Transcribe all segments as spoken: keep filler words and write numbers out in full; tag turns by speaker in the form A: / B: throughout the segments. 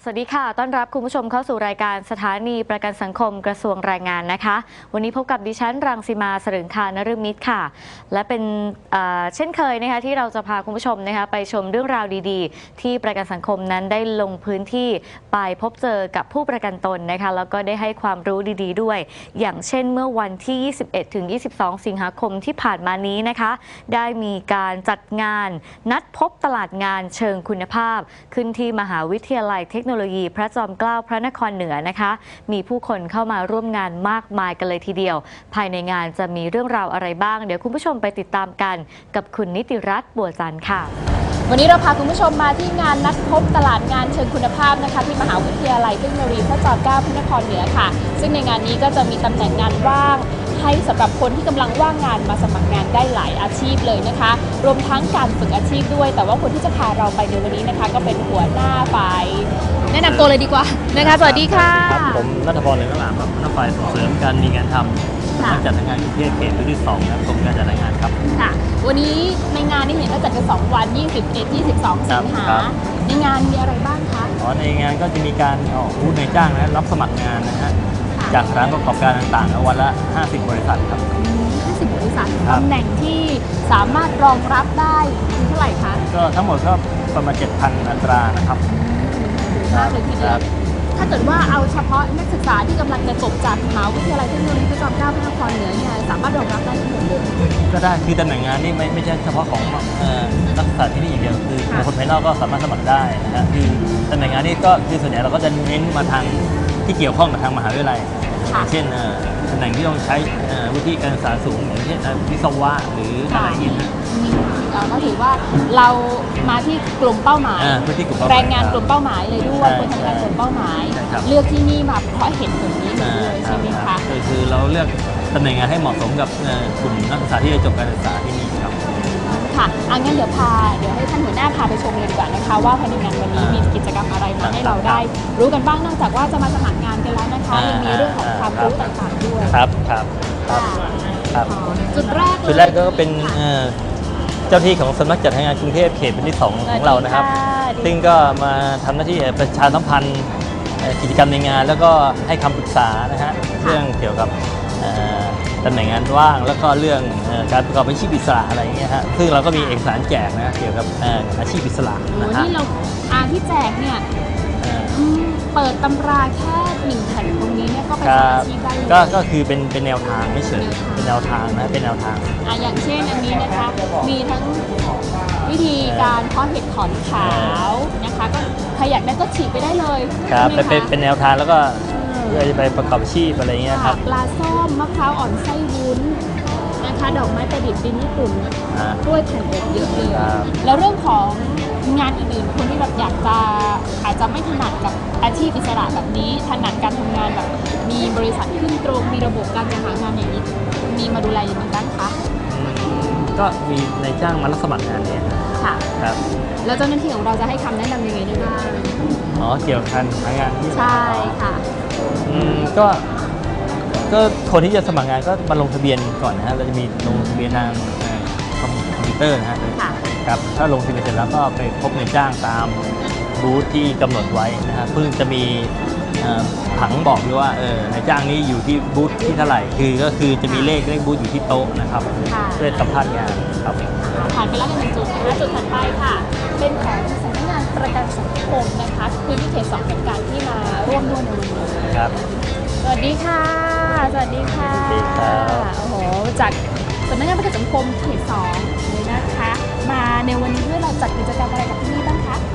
A: สวัสดีค่ะต้อนรับคุณผู้ชมเข้าสู่รายการสถานีประกันสังคมกระทรวงแรงงานนะคะวันนี้พบกับดิฉันรังสีมาสรึงคานฤมิตรค่ะและเป็นเช่นเคยนะคะที่เราจะพาคุณผู้ชมนะคะไปชมเรื่องราวดีๆที่ประกันสังคมนั้นได้ลงพื้นที่ไปพบเจอกับผู้ประกันตนนะคะแล้วก็ได้ให้ความรู้ดีๆด้วยอย่างเช่นเมื่อวันที่ ยี่สิบเอ็ดถึงยี่สิบสอง สิงหาคมที่ผ่านมานี้นะคะได้มีการจัดงานนัดพบตลาดงานเชิงคุณภาพขึ้นที่มหาวิทยาลัยเทคโนโลยีพระจอมเกล้าพระนครเหนือนะคะมีผู้คนเข้ามาร่วมงานมากมายกันเลยทีเดียวภายในงานจะมีเรื่องราวอะไรบ้างเดี๋ยวคุณผู้ชมไปติดตามกันกับคุณนิติรัตน์บัวจันทร์ค่ะ
B: วันนี้เราพาคุณผู้ชมมาที่งานนัดพบตลาดงานเชิงคุณภาพนะคะที่มหาวิทยาลัยเทคโนโลยีพระจอมเกล้าพระนครเหนือค่ะซึ่งในงานนี้ก็จะมีตำแหน่งงานว่างให้สำหรับคนที่กำลังว่างงานมาสมัครงานได้หลายอาชีพเลยนะคะรวมทั้งการฝึกอาชีพด้วยแต่ว่าคนที่จะพาเราไปในวันนี้นะคะก็เป็นหัวหน้าฝ่ายแนะนำตัวเลยดีกว่านะคะสวัสดีค่ะ
C: ครับผมณัฐพร เหลืองอร่ามครับหัวหน้าฝ่ายส่งเสริมการมีงานทำการจัดงานกรุงเทพเขตที่สองครับกรมการจัดงานครับ
B: ค่ะวันนี้ในงานนี่เห็นว่าจัดกันสองวันยี่สิบเอ็ด ยี่สิบสองสิงหาในงานมีอะไรบ้างคะ
C: อ๋อในงานก็จะมีการออกบูธในจ้างนะรับสมัครงานนะฮะจากร้านประกอบการต่างๆวันละห้าสิบบริษัทครับ
B: ห้าสิบบริษัทตำแหน่งที่สามารถรองรับได้เท่าไหร่คะ
C: ก็ทั้งหมดก็ประมาณ เจ็ดพัน อัตรานะครับ
B: มากเลยทีเดียวถ้าเกิดว่าเอาเฉพาะนักศึกษาที่กำลังจะจบจากมหาวิทยาลัยเทคโนโลยีพระจอมเกล้าพระนครเหนือเนี่ยสามารถรองรับได้ทั้งหมดเลย
C: ก็ได้คือตำแหน่งงานนี่ไม่ไม่ใช่เฉพาะของนักศึกษาที่นี่อย่างเดียวคือคนภายนอกก็สามารถสมัครได้นะฮะคือตำแหน่งงานนี่ก็คือส่วนใหญ่เราก็จะเน้นมาทางที่เกี่ยวข้องกับทางมหาวิทยาลัยเช่นตำแหน่งที่ต้องใช้วิธีการศึกษาสูงอย่างเช่นวิศวะหรืออะไรอย่างเงี้ย
B: ก็ถือว่าเรามาที่กลุ่มเป้าหมายแรงงานกลุ่มเป้าหมายเลยด้วยคนทำงานกลุ่มเป้าหมายเลือกที่นี่มาเพราะเห็นผลนี้เลยใช่ไหมคะ
C: คือเราเลือกตำแหน่งงานให้เหมาะสมกับกลุ่มนักศึกษาที่ได้จบการศึกษาที่นี่ครับ
B: ค่ะอังั้นเดี๋ยวพาเดี๋ยวให้ท่านหัวหน้าพาไปชมเลยดีกว่านะคะว่าภายในงานวันนี้มีกิจกรรมอะไรมาให้เราได้รู้กันบ้างนอกจากว่าจะมาสมัครงานกันแล้วนะคะยังมีเรื่องของความรู้ต่างๆด้วย
C: ครับครับ
B: ครับจุดแรก
C: จุดแรกก็เป็นเจ้าที่ของสำนักจัดงานกรุงเทพเขตเป็นที่สองของเรานะครับซึ่งก็มาทำหน้าที่ประชาสัมพันธ์กิจกรรมในงานแล้วก็ให้คำปรึกษานะฮะเรื่องเกี่ยวกับตำแหน่งงานว่างแล้วก็เรื่องการประกอบอาชีพอิสระอะไรอย่างเงี้ยฮะซึ่งเราก็มีเอกสารแจกนะเกี่ยวกับอาชีพอิสระ
B: นะฮะที่เราอ่านที่แจกเนี่ยเปิดตำราแค่หนึ่งแผ่นตรงนี้เนี่ยก็ไปสมัครอาชีพได้เลย
C: ก็ก็คือเป็นเป็นแนวทางไม่เฉยเป็นแนวทางนะเป็นแนวทาง
B: อ่ะอย่างเช่นอันนี้นะคะมีทั้งวิธีการเพาะเห็ดขอนขาวนะคะก็ใครอยากได้ก็ฉีดไปได้เลย
C: ครับเป็นเป็นแนวทางแล้วก็เพื่อจะไปประกอบอาชีพอะไรเงี้ยครับ
B: ปลาส้มมะพร้าวอ่อนไส้วุ้นนะคะดอกไม้ประดิษฐ์ดินญี่ปุ่นกล้วยแผ่นอบเยอะเลยแล้วเรื่องของงานอื่นๆคนที่แบบอยากจะอาจจะไม่ถนัดกับอาชีพอิสระแบบนี้ถนัดการทำงานแบบมีบริษัทขึ้นตรงมีระบบการหางานอย่างนี้มีมาดูแลอย่างไรบ้างคะ
C: ก็มีนายจ้างมารับสมัครงานเนี่ย
B: ค่ะ
C: ครับ
B: แล้วเจ้าหน้าที่ของเราจะให้คำแนะนำยังไงได้บ้าง
C: อ๋อเกี่ยวกับการหางานที่
B: ใช่ค่ะ
C: อืมก็ก็คนที่จะสมัครงานก็มาลงทะเบียนก่อนนะฮะเราจะมีลงทะเบียนทางคอมพิวเตอร์นะฮะครับถ้าลงทะเบียนเสร็จแล้วก็ไปพบนายจ้างตามบูธที่กำหนดไว้นะฮะเพิ่งจะมีผังบอกด้วยว่าเออนายจ้างนี้อยู่ที่บูธที่เท่าไหร่คือก็คือจะมีเลขเลขบูธอยู่ที่โต๊ะนะครับเพื่อสัมภาษณ์งานครับ
B: ผ่านไปแล้วหนึ่งจุดนะคะจุดถัดไปค่ะเป็นของสำนักงานประกันสังคมนะคะคือที่เขตสองเหมือนกันที่มาร่วมด้วยในวันนี้
C: ครับ
B: สวัสดีค่ะสวัสดีค่ะ
C: สวัสดีครับ
B: โอ้โหจากสำนักงานประกันสังคมเขตสองเลยนะคะมาในวันนี้ด้วยเราจัดกิจกรรมอะไรกับที่นี่บ้างคะ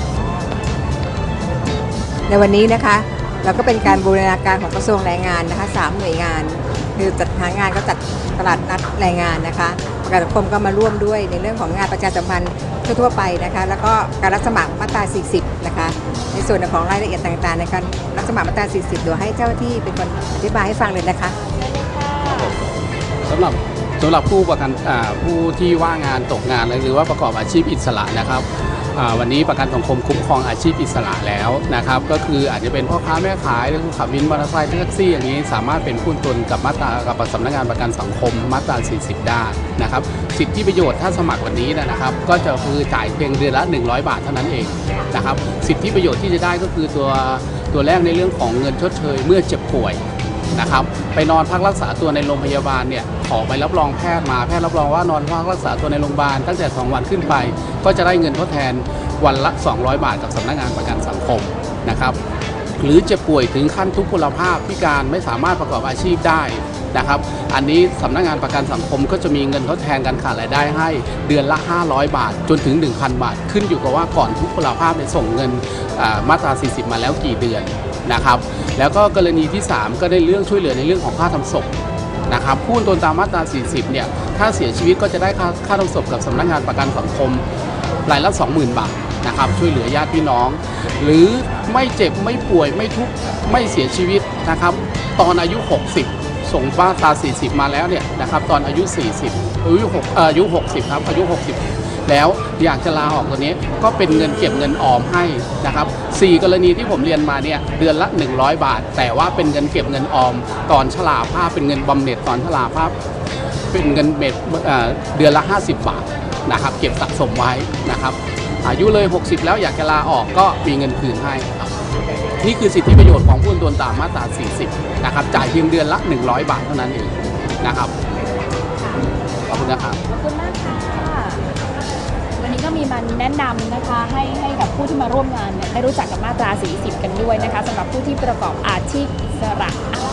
D: ในวันนี้นะคะเราก็เป็นการบูรณาการของกระทรวงแรงงานนะคะสามหน่วยงานคือจัดหางานก็จัดตลาดนัดแรงงานนะคะประกันสังคมก็มาร่วมด้วยในเรื่องของงานประชาสัมพันธ์ทั่วๆไปนะคะแล้วก็การรับสมัครมาตราสี่สิบนะคะในส่วนของรายละเอียดต่างๆในการรับสมัครมาตราสี่สิบโดยให้เจ้าที่เป็นคนอธิบายให้ฟังเลยนะคะ
E: สำหรับสำหรับผู้ประกันผู้ที่ว่างงานตกงานหรือว่าประกอบอาชีพอิสระนะครับอ่าวันนี้ประกันสังคมคุ้มครองอาชีพอิสระแล้วนะครับก็คืออาจจะเป็นพ่อค้าแม่ขายหรือขับวินมอเตอร์ไซค์แท็กซี่อย่างนี้สามารถเป็นผู้ตนกับมาตรากับสำนักงานประกันสังคมมาตราสี่สิบได้นะครับสิทธิประโยชน์ถ้าสมัครวันนี้นะครับก็จะคือจ่ายเพียงเดือนละหนึ่งร้อยบาทเท่านั้นเองนะครับสิทธิประโยชน์ที่จะได้ก็คือตัวตัวแรกในเรื่องของเงินชดเชยเมื่อเจ็บป่วยนะครับไปนอนพักรักษาตัวในโรงพยาบาลเนี่ยขอใบรับรองแพทย์มาแพทย์รับรองว่านอนพักรักษาตัวในโรงพยาบาลตั้งแต่สองวันขึ้นไปก็จะได้เงินทดแทนวันละสองร้อยบาทกับสำนักงานประกันสังคมนะครับหรือเจ็บป่วยถึงขั้นทุพพลภาพพิการไม่สามารถประกอบอาชีพได้นะครับอันนี้สำนักงานประกันสังคมก็จะมีเงินทดแทนการขาดรายได้ให้เดือนละห้าร้อยบาทจนถึง หนึ่งพัน บาทขึ้นอยู่กับว่าก่อนทุพพลภาพเนี่ยส่งเงินมาตราสี่สิบมาแล้วกี่เดือนนะครับแล้วก็กรณีที่สามก็ได้เรื่องช่วยเหลือในเรื่องของค่าทำศพนะครับผู้ตนตามมาตราสี่สิบเนี่ยถ้าเสียชีวิตก็จะได้ค่าค่าทำศพกับสำนักงานประกันสังคมรายละ สองหมื่น บาทนะครับช่วยเหลือญาติพี่น้องหรือไม่เจ็บไม่ป่วยไม่ทุกข์ไม่เสียชีวิตนะครับตอนอายุหกสิบส่งมาตราสี่สิบมาแล้วเนี่ยนะครับตอนอายุสี่สิบอายุ6อายุหกสิบครับอายุหกสิบแล้วอยากจะลาออกตัวนี้ก็เป็นเงินเก็บเงินออมให้นะครับสี่กรณีที่ผมเรียนมาเนี่ยเดือนละหนึ่งร้อยบาทแต่ว่าเป็นเงินเก็บเงินออมตอนชราภาพเป็นเงินบำเหน็จตอนชราภาพเป็นเงินเม็ดเดือนละห้าสิบบาทนะครับเก็บสะสมไว้นะครับอายุเลยหกสิบแล้วอยากจะลาออกก็มีเงินคืนให้นี่คือสิทธิประโยชน์ของผู้ตนตามมาตราสี่สิบนะครับจ่ายเพียงเดือนละหนึ่งร้อยบาทเท่านั้นเองนะครับขอบคุณนะครับ
B: ขอบคุณมากค่ะวันนี้ก็มีมันแนะนำนะคะให้ให้กับผู้ที่มาร่วมงานเนี่ยได้รู้จักกับมาตราสี่สิบกันด้วยนะคะสำหรับผู้ที่ประกอบอาชีพอิสระ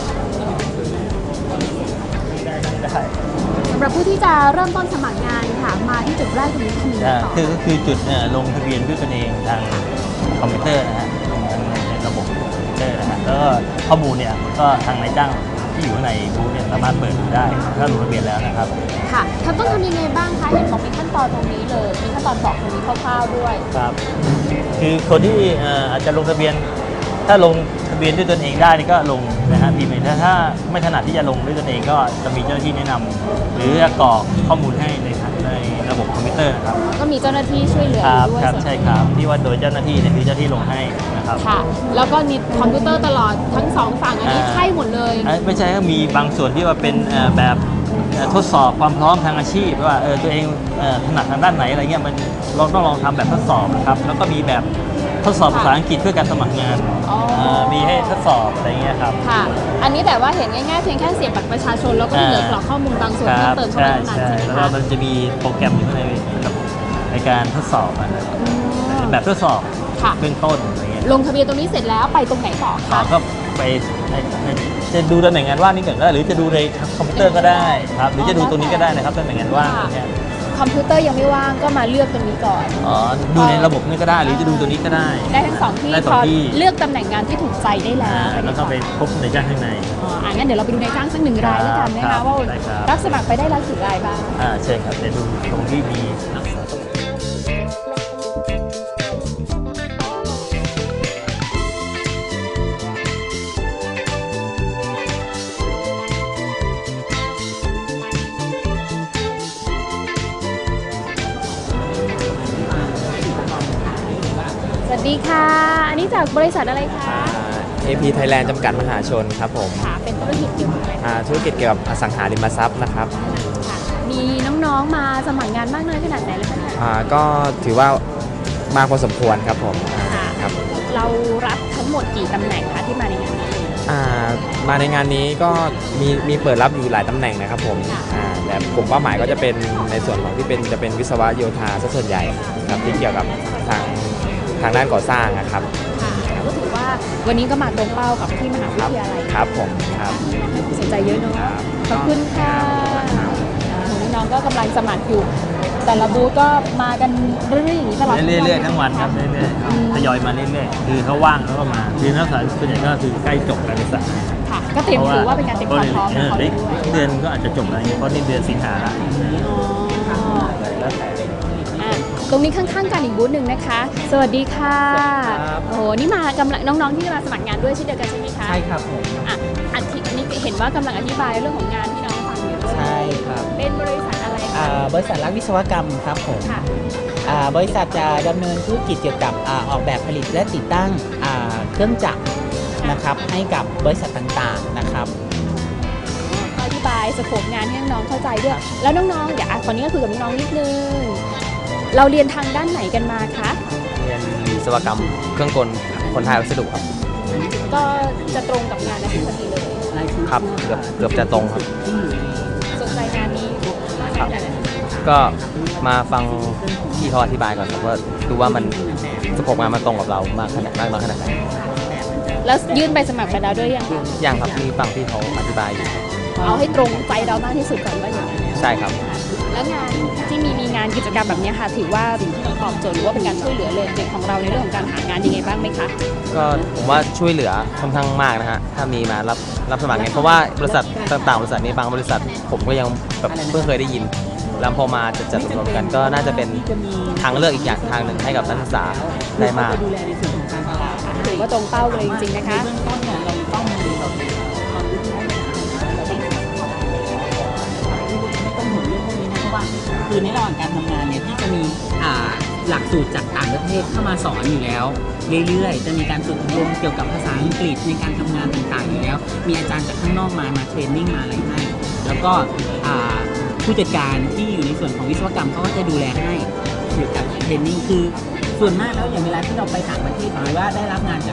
B: สำหรับผู้ที่จะเริ่มต้นสมัครงานค่ะมาที่จุดแรกตรงนี้คือต่อ
C: คือก็คือจุดลงทะเบียนด้วยตนเองทางคอมพิวเตอร์นะฮะลงทางในระบบคอมพิวเตอร์นะฮะแล้วก็ข้อมูลเนี่ยก็ทางนายจ้างที่อยู่ในบูธเนี่ยสามารถเปิดได้ถ้าลงทะเบียนแล้วนะครับ
B: ค่ะท่านต้องทำยังไงบ้างคะเห็นบอกมีขั้นตอนตรงนี้เลยมีขั้นตอนบอกตรงนี้คร่าวๆด้วย
C: ครับคือคนที่อาจจะลงทะเบียนถ้าลงทะเบียนด้วยตนเองได้นี่ก็ลงนะฮะพิมพ์ถ้าถ้าไม่ถนัดที่จะลงด้วยตนเองก็จะมีเจ้าหน้าที่แนะนำหรือกรอกข้อมูลให้ในในระบบคอมพิวเตอร์นะครับ
B: ก็มีเจ้าหน้าที่ช่วยเหลือด้วย
C: ครับใช่ครับที่ว่าโดยเจ้าหน้าที่เนี่ยคือเจ้าหน้าที่ลงให้นะครับ
B: ค่ะแล้วก็มีคอมพิวเตอร์ตลอดทั้งสองฝั่งอันนี้ใช่หมดเลย
C: ไม่ใช่ก็มีบางส่วนที่ว่าเป็นแบบทดสอบความพร้อมทางอาชีพว่าเออตัวเองถนัดทางด้านไหนอะไรเงี้ยมันเราต้องลองทำแบบทดสอบนะครับแล้วก็มีแบบทดสอบภาษาอังกฤษเพื่อการสมัครงานมีให้ทดสอบอะไรเงี้ยครับ
B: ค่ะอันนี้แต่ว่าเห็นง่ายๆเพียงแค่เสียบบัตรประชาชนแล้วก็เหลือกรอกข้อมูลบางส่วนเพิ่มเติมเข้าไปเท่านั้นใช่ไหมคะ
C: แล้วมันจะมีโปรแกรมอยู่ในในการทดสอบแบบทดสอบเบื้องต้นอะไรเงี้ย
B: ลงทะเบียนตรงนี้เสร็จแล้วไปตรงไหนต่อคะ
C: ก็ไปจะดูตำแหน่งงานว่างนี่ก่อนก็ได้หรือจะดูในคอมพิวเตอร์ก็ได้ครับหรือจะดูตรงนี้ก็ได้นะครับตำแหน่งงานว่างเนี่ย
B: คอมพิวเตอร์ยังไม่ว่างก็มาเลือกตรงนี้ก่อน
C: อ๋อดูในระบบนี่ก็ได้หรือจะดูตัวนี้ก็ได้
B: ได้ทั้งสองที่พอเลือกตำแหน่งงานที่ถูกใจได้แล้ว
C: แล้วก็ไปพบในจ้างข้างใน
B: อ๋องั้นเดี๋ยวเราไปดูในจ้างสักหนึ่งรายแล้วกันนะคะว่ารับสมัครไปได้แล้วกี่รายบ้าง
C: อ่าใช่ครับเดี๋ยวดูตรงที่มี
B: สวัสดีค่ะอันนี้จากบริษัทอะไรคะ
F: เอ พี Thailand จำกัดมหาชนครับผม
B: ค่ะเป็นธุรกิจเกี่ยวกับอะไร
F: ธุรกิจเกี่ยวกับอสังหาริมทรัพย์นะครับ
B: ค่ะมีน้องๆมาสมัครงานมากน้อยขนาดไหนเลยคะเนี่ย
F: ก็ถือว่ามาพอสมควรครับผม
B: ครับเรารับทั้งหมดกี่ตำแหน่งคะที่มาในงานนี้
F: มาในงานนี้ก็มีมีเปิดรับอยู่หลายตำแหน่งนะครับผมแต่กลุ่มเป้าหมายก็จะเป็นในส่วนของที่เป็นจะเป็นวิศวะโยธาซะส่วนใหญ่ครับที่เกี่ยวกับทางทางด้านก่อสร้างนะครับ
B: ก็ถือว่าวันนี้ก็มาตรงเป้ากับที่มหาวิทยาลัย
F: ครับผมครับ
B: สนใจเยอะเนาะขอบคุณค่ะน้องๆก็กำลังสมัครอยู่แต่ละบูธก็มากันเรื่อยๆอย่างนี้ตลอด
C: เรื่อยๆทั้งวันครับเรื่อยๆทยอยมาเรื่อยๆคือเขาว่างเขาก็มาคือนักศึกษาส่วนใหญ่ก็คือใกล้จบการศึกษา
B: ค่ะก็เตรียมถือว่าเป็นการเตรียมความพร้อมของเขาด้วย
C: เดือนก็อาจจะจบอะไรเพราะนี่เดือนสิงหา
B: ตรงนี้ข้างๆกันอีกบูธหนึ่งนะคะสวัสดีค่ะโอ้โหนี่มากำลังน้องๆที่มาสมัครงานด้วยเช่นเดียวกันใช่ไหมคะ
F: ใช่ครับผม
B: อ่ะอันนี้เห็นว่ากำลังอธิบายเรื่องของงานที่น้องฟังอยู่
F: ใช่ครับ
B: เป็นบริษัทอะไรคะ
G: อ่าบริษัทรักวิศวกรรมครับผม
B: ค่ะ
G: อ่าบริษัทจะดำเนินธุรกิจเกี่ยวกับอาออกแบบผลิตและติดตั้งอ่าเครื่องจักรนะครับให้กับบริษัทต่างๆนะครับ
B: อธิบายสโคปงานให้น้องๆเข้าใจด้วย แล้วน้องๆเดี๋ยวอ่ะตอนนี้ก็คุยกับน้องๆนิดนึง เราเรียนทางด้านไหนกันมาคะ
F: เรียนวิศวกรรมเครื่องกลคนไทยวัสดุครับ
B: ก็จะตรงกับงานในพอดีเลย
F: ครับเกือบเกือบจะตรงครับ
B: สนใจงานนี้มากขนาดไหน
F: ก็มาฟังพี่เขาอธิบายก่อนครับว่าดูว่ามันสโคปงานมันตรงกับเรามากขนาดมากน้อยขนาดไหน
B: แล้วยื่นใบสมัครไปแล้วด้วยยังคะ
F: อย่างครับมีฟังพี่เขาอธิบายอยู่
B: เอาให้ตรงใจเรามากที่สุดก่อนว่าอย่างไร
F: ใช่ครับ
B: แล้วงานที่มีมีงานกิจกรรมแบบนี้ค่ะ ถือว่าตอบโจทย์หรือว่าเป็นการช่วยเหลือเลยเด็กของเราในเรื่องของการหางานยังไงบ้างไหมคะ
F: ก็ผมว่าช่วยเหลือค่อนข้างมากนะฮะถ้ามีมารับรับสมัครเนี่ยเพราะว่าบริษัทต่างๆบริษัทนี้บางบริษัทผมก็ยังแบบเพิ่งเคยได้ยินแล้วพอมาจัดจัดรวมกันก็น่าจะเป็นทางเลือกอีกอย่างทางหนึ่งให้กับนักศึกษาได้มาก
B: ถือว่าตรงเป้าเลยจริงๆนะคะ
G: คือในระหว่างการทำงานเนี่ยที่จะมีอ่าหลักสูตรจากต่างประเทศเข้ามาสอนอยู่แล้ว เรื่อยๆ จะมีการฝึกอบรมเกี่ยวกับภาษาอังกฤษในการทำงานต่างๆอยู่แล้ว มีอาจารย์จากข้างนอกมามาเทรนนิ่งมาอะไรให้แล้วก็อ่าผู้จัดการที่อยู่ในส่วนของวิศวกรรมเขาก็จะดูแลให้เกี่ยวกับเทรนนิ่งคือส่วนมากแล้วอย่างเวลาที่เราไปต่างประเทศหรือว่าได้รับงานจาก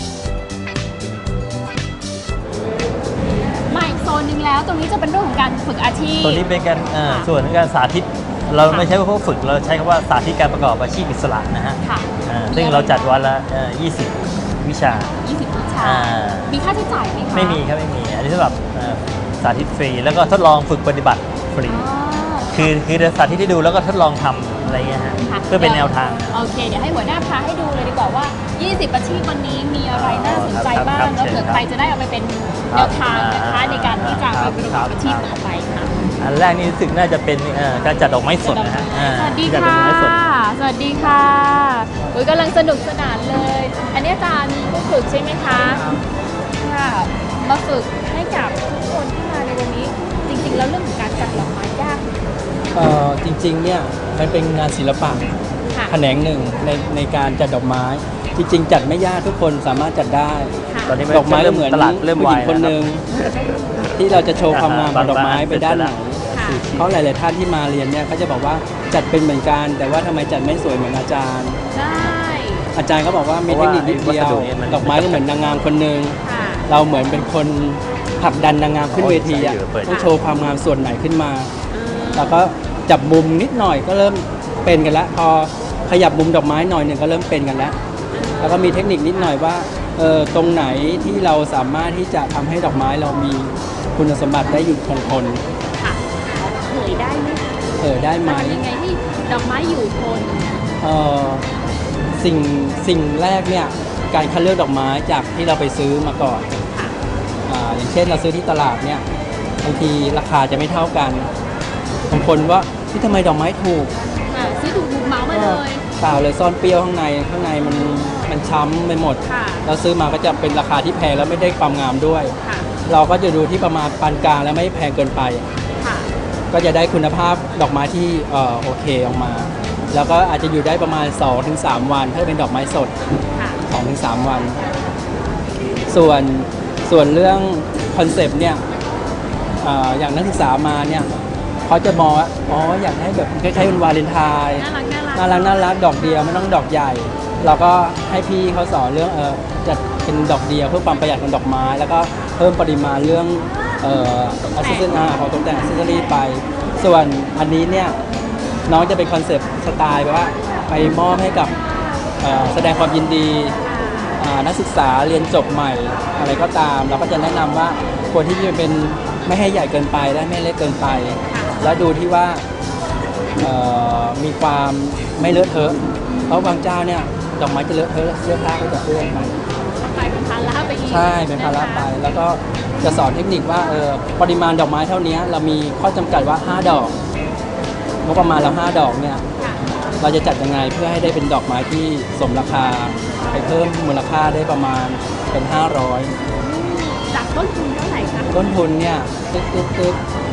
B: มาอีกโซนหนึ่งแล้ว ตรงนี้จะเป็นเรื่องของการฝึกอาชีพ
C: ตัวนี้เป็นการเอ่อ
B: ค่ะ
C: ส่วนของการสาธิต เราไม่ใช้ว่าพวกฝึกเราใช้คำว่าสาธิตการประกอบอาชีพอิสระนะฮะ
B: ค่ะ
C: อ่าซึ่งเราจัดวันละเอ่อยี่สิบวิชา
B: ยี่สิบวิชา
C: อ่า
B: มีค่าใช้จ่ายไหมคะ
C: ไม่มีครับไม่มี อันนี้สำหรับเอ่อสาธิตฟรี แล้วก็ทดลองฝึกปฏิบัติฟรี
B: อ๋อ
C: คือคือสาธิตให้ดูแล้วก็ทดลองทำอะไรเงี้ยฮะ
B: ค่ะ
C: เพื่อเป็นแนวทาง
B: โอเค เดี๋ยวให้หัวหน้าพาให้ดูเลยดีกว่าว่า ยี่สิบ อาชีพวันนี้มีอะไรน่าสนใจบ้าง
C: ครับ
B: แล้วเผื่อ
C: เชิญครับ
B: ใครจะได้เอาไปเป็นแนวทางนะคะในการที่จะไปประกอบอาชีพต่อไปค่ะ
C: อันแรกนี่รู้สึกน่าจะเป็นเอ่อการจัดดอกไม้สดนะฮะอ่า
B: สวัสดี
C: จัดดอก
B: ค่ะ
C: ไม้สด
B: สวัสดีค่ะอุ้ยกำลังสนุกสนานเลย อันนี้อาจารย์ผู้ฝึกใช่ไหมคะ ค่ะ มาฝึกให้กับทุกคนที่มาในวันนี้ จริงๆ แล้วเรื่องของการจัดดอกไม้ยากไหม
H: เอ่อจริงๆ เนี่ยมันเป็นงานศิลปะ
B: ค่ะ
H: แขนงหนึ่งในในการจัดดอกไม้ จริง ๆ จัดไม่ยากทุกคนสามารถจัดได้
B: ค่ะ
C: ตอนนี้
H: ดอกไม้ก็เหมือน
C: ตลาดเริ่ม
H: ผู้
C: วา
H: หญิ
C: ย
H: งคนหนึ่งที่เราจะโชว์ความงามของดอกไม้ไปด้านไหน
B: ค่ะ
H: เพราะหลาย ๆ ท่านที่มาเรียนเนี่ยเขาจะบอกว่าจัดเป็นเหมือนกัน แต่ว่าทำไมจัดไม่สวยเหมือนอาจารย์
B: ได้
H: อาจารย์ก็บอกว่ามีเทคนิคนิดเดียว ดอกไม้ก็เหมือนนางงามคนหนึ่ง
B: ค่ะ
H: เราเหมือนเป็นคนผลักดันนางงามขึ้นเวทีอะต้องโชว์ความงามส่วนไหนขึ้นมา แล้วก็จับมุมนิดหน่อยก็เริ่มเป็นกันแล้ว พอขยับมุมดอกไม้หน่อยหนึ่งก็เริ่มเป็นกันแล้ว แล้วก็มีเทคนิคนิดหน่อยว่าเออตรงไหนที่เราสามารถที่จะทำให้ดอกไม้เรามีคุณสมบัติได้อยู่คงทน
B: ค่ะเผยได้ไหมคะ
H: เออได้ไหม
B: ทำยังไงให้ดอกไม้อยู่ทน
H: เออสิ่งสิ่งแรกเนี่ยการคัดเลือกดอกไม้จากที่เราไปซื้อมาก่อน
B: ค่ะ
H: อ่าอย่างเช่นเราซื้อที่ตลาดเนี่ยบางทีราคาจะไม่เท่ากันบางคนว่าที่ทำไมดอกไม้ถูก
B: ค่ะซื้อถูกถูกเหมามาเลย
H: เปล่าเลยซ่อนเปรี้ยวข้างในข้างในมันมันช้ำไปหมด
B: ค่ะ
H: แล้วซื้อมาก็จะเป็นราคาที่แพงแล้วไม่ได้ความงามด้วย
B: ค่ะ
H: เราก็จะดูที่ประมาณปานกลางและไม่แพงเกินไป
B: ค่ะ
H: ก็จะได้คุณภาพดอกไม้ที่เอ่อโอเคออกมา แล้วก็อาจจะอยู่ได้ประมาณ สองถึงสาม วันถ้าเป็นดอกไม้สด
B: ค่ะ
H: สองถึงสาม วัน ส่วนส่วนเรื่องคอนเซปต์เนี่ยเอ่ออย่างนักศึกษามาเนี่ยเขาจะมองว่าอ๋ออยากให้แบบคล้ายๆเป็นวาเลนไทน์
B: น่ารักน่ารัก
H: น่ารักน่ารักดอกเดียวไม่ต้องดอกใหญ่ เราก็ให้พี่เขาสอนเรื่องเออจัดเป็นดอกเดียวเพื่อความประหยัดของดอกไม้ แล้วก็เพิ่มปริมาณเรื่องเอ่ออัซเซอร์ของตกแต่งอัซเซอรี่ไป ส่วนอันนี้เนี่ยน้องจะเป็นคอนเซปต์สไตล์แบบว่าไปมอบให้กับเอ่อแสดงความยินดีอ่านักศึกษาเรียนจบใหม่อะไรก็ตาม เราก็จะแนะนำว่าควรที่จะเป็นไม่ให้ใหญ่เกินไปและไม่เล็กเกินไป แล้วดูที่ว่าเอ่อมีความไม่เลอะเทอะ เพราะบางเจ้าเนี่ยดอกไม้จะเลอะเทอะเสื้อผ้าก็จะเปื้อนไป
B: ไปเป็นภาระไปอีก
H: ใช่เป็นภาระไป แล้วก็จะสอนเทคนิคว่าเออปริมาณดอกไม้เท่านี้เรามีข้อจำกัดว่าห้าดอกงบประมาณเราห้าดอกเนี่ย
B: ค่ะ
H: เราจะจัดยังไงเพื่อให้ได้เป็นดอกไม้ที่สมราคาไปเพิ่มมูลค่าได้ประมาณเป็นห้าร้อย
B: จากต้นทุนเท่าไหร่คะ
H: ต้นทุนเนี่ยตึ๊กตึ๊กตึ๊ก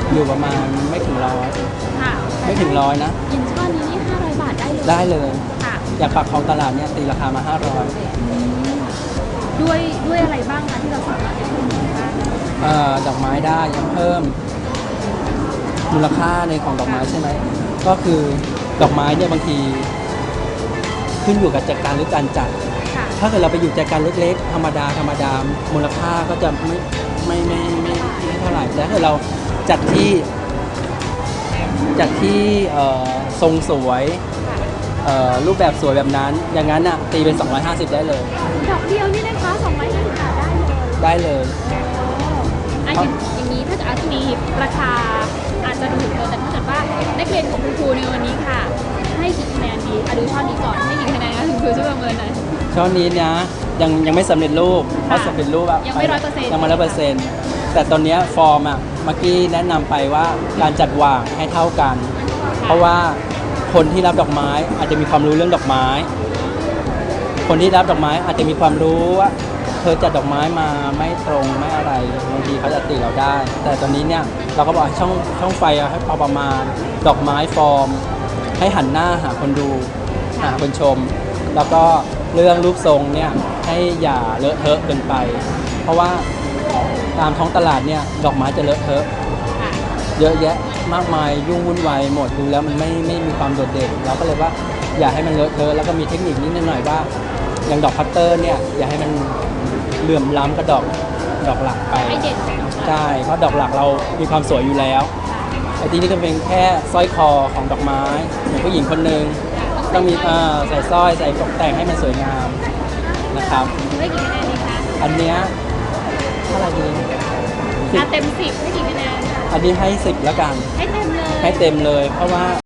H: อยู่ประมาณไม่ถึงร้อย
B: ค่ะ
H: ไม่ถึงร้อยนะ
B: ยินช่อนี้นี่ห้าร้อยบาทได้เลย
H: ได้เลย
B: ค่ะ
H: อย่างปากคลองตลาดเนี่ยตีราคามาห้าร้อย
B: ด้วยด้วยอะไรบ้างคะที่เราสามารถจะเพิ่มมูลค่า
H: เอ่อดอกไม้ได้ยังเพิ่มมูลค่าในของดอกไม้ใช่ไหมก็คือดอกไม้เนี่ยบางทีขึ้นอยู่กับจัดการหรือการจัด
B: ค่ะ
H: ถ้าเกิดเราไปอยู่จัดการเล็กๆ ธรรมดาธรรมดามูลค่าก็จะไม่ไม่ไม่ไม่ไม่เท่าไหร่แต่ถ้าเกิดเราจัดที่จัดที่เอ่อทรงสวยเอ่อรูปแบบสวยแบบนั้นอย่างนั้นอ่ะตีเป็นสองร้อยห้าสิบได้เลย
B: ดอกเดียวนี่นะคะสองร้อยห้าสิบบาทได้เลย
H: ได้เลย
B: อันอย่างอย่างนี้ถ้าจะอาจจะมีราคาอาจจะถูกเกินแต่ถ้าเกิดว่านักเรียนของคุณครูในวันนี้ค่ะ ให้กี่คะแนนดีอะดูช่อนี้ก่อนให้กี่คะแนนคะคุณครูช่วยประเมินหน่อย
H: ช่อนี้นะยังยังไม่สำเร็จรูปเพราะสำเร็จรูปอะ
B: ยังไม่ร้อยเปอร์เซ็นต์
H: ยังไม่ร้อยเปอร์เซ็นต์แต่ตอนเนี้ยฟอร์มอะเมื่อกี้แนะนำไปว่าการจัดวางให้เท่ากัน เพราะว่าคนที่รับดอกไม้อาจจะมีความรู้เรื่องดอกไม้ คนที่รับดอกไม้อาจจะมีความรู้ว่าเธอจัดดอกไม้มาไม่ตรงไม่อะไรบางทีเขาจะติเราได้ แต่ตอนนี้เนี่ยเราก็บอกให้ช่องช่องไฟอะให้พอประมาณดอกไม้ฟอร์ม ให้หันหน้าหาคนดูหาคนชม แล้วก็เรื่องรูปทรงเนี่ยให้อย่าเลอะเทอะเกินไป เพราะว่าตามท้องตลาดเนี่ยดอกไม้จะเลอะเทอะ เยอะแยะมากมายยุ่งวุ่นวายหมดดูแล้วมันไม่ไม่มีความโดดเด่นเราก็เลยว่าอย่าให้มันเลอะเทอะแล้วก็มีเทคนิคนิดหน่อยว่าอย่างดอกพัตเตอร์เนี่ยอย่าให้มันเหลื่อมล้ำกับดอกดอกหลักไป
B: ให้เด่นกว่าดอกหลัก
H: ใช่เพราะดอกหลักเรามีความสวยอยู่แล้วไอ้ที่นี่ก็เป็นแค่สร้อยคอของดอกไม้อย่างผู้หญิงคนหนึ่งต้องมีเอ่อใส่สร้อยใส่ตกแต่งให้มันสวยงามนะครับ
B: ให้กี่คะแนนดีคะ
H: อันเนี้ยเท่าไหร่ดีสิบ
B: อ่ะเต็มสิบให้กี่คะแนน
H: อันนี้ให้สิบแล้วกัน
B: ให้เต็มเลย
H: ให้เต็มเลยเพราะว่า